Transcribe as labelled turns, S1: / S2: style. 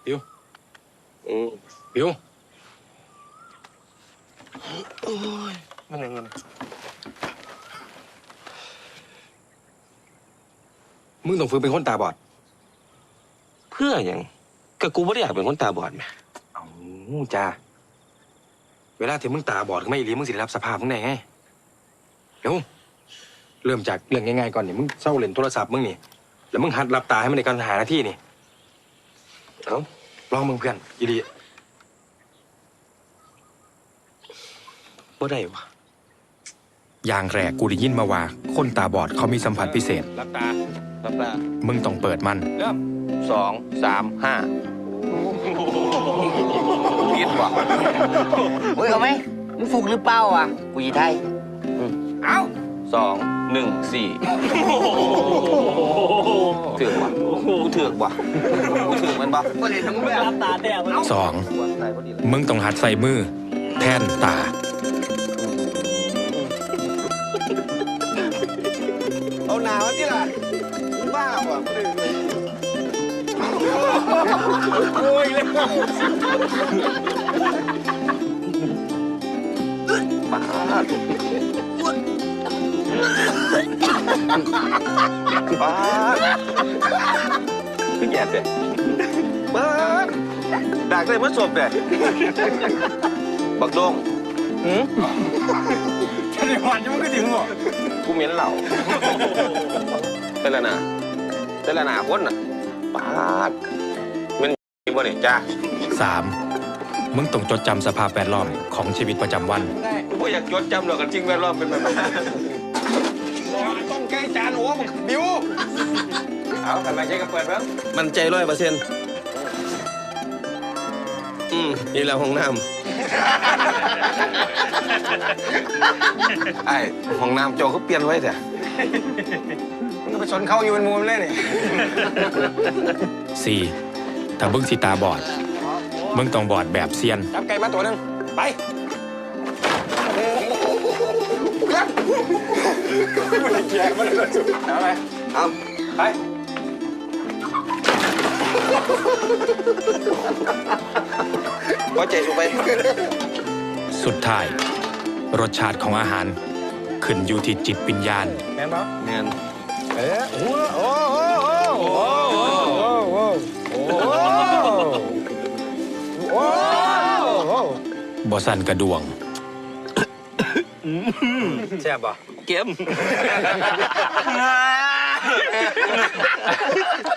S1: บิวบิว
S2: โอ้ยมันยังไง
S1: มึงต้องฝึกเป็นคนตาบอด
S2: เพื่ออย่างก็กูไม่ได้อยากเป็นคนตาบอดไหม
S1: เอาจ้าเวลาที่มึงตาบอดไม่รีมึงสิได้รับสภาพมึงได้ไงเดี๋ยวเริ่มจากเรื่องง่ายๆก่อนนี่มึงเศร้าเล่นโทรศัพท์มึงนี่แล้วมึงหัดหลับตาให้มันในการหาหน้าที่นี่ลองมึงเพื่อนอีดี
S2: บ่ได้วะ
S1: อย่างแรกกูได้ยินมาว่าคนตาบอดเขามีสัมผัสพิเศษ
S2: หลับตา
S1: มึงต้องเปิดมัน
S2: เริ่ม2 3 5คิดวะ
S3: เฮ้ยเอาไหมมึงฟุกหรือเปล่าอ่ะกูยีไทย
S2: เอา2 1 4ถือกวะกูถือกวะกูถือกมันปะ
S1: สองมึงต้องหัดใส่มือแทนตา
S2: เอาหนาวที่ล่ะบ้าว่ะโอ้ยเลยบ้าขึ้นแย่เด็ดบ้าดักเลยมันศพเด็ดบักโดง
S1: แค่ในวันยังไม่ถึงหรอ
S2: กูเหม็นเหล่าเป็นละนาคนน่ะปาดมันบ่เนี่ยจ้า
S1: 3มึงต้องจดจำสภาพแวดล้อมของชีวิตประจำวัน
S2: กูอยากจดจำหรอกกันจริงแวดล้อมเป็นแบบต้องใกล้จานโอ้มึงบิวเอาทำไมใช้กระเปิดบ้างมันใจ100%นี่แหละห้องน้ำไอ้ห้องน้ำโจเขาเปลี่ยนไว้แต่มึงไปชนเขาอยู่เป็นมุมเลย
S1: 4
S2: นี่
S1: ถ้ามึงสิตาบอดมึงต้องบอดแบบเซียน
S2: จับไก่มาตัวหนึ่งไปมันแย่มันเลยสุดเอาไปเอาไปพอใจสุดไป
S1: สุดท้ายรสชาติของอาหารขึ้นอยู่ที่จิตวิญญาณ
S2: แม่นปะแม่น
S1: บ่สั่นกระดวง
S2: แซ่บปะเก็ม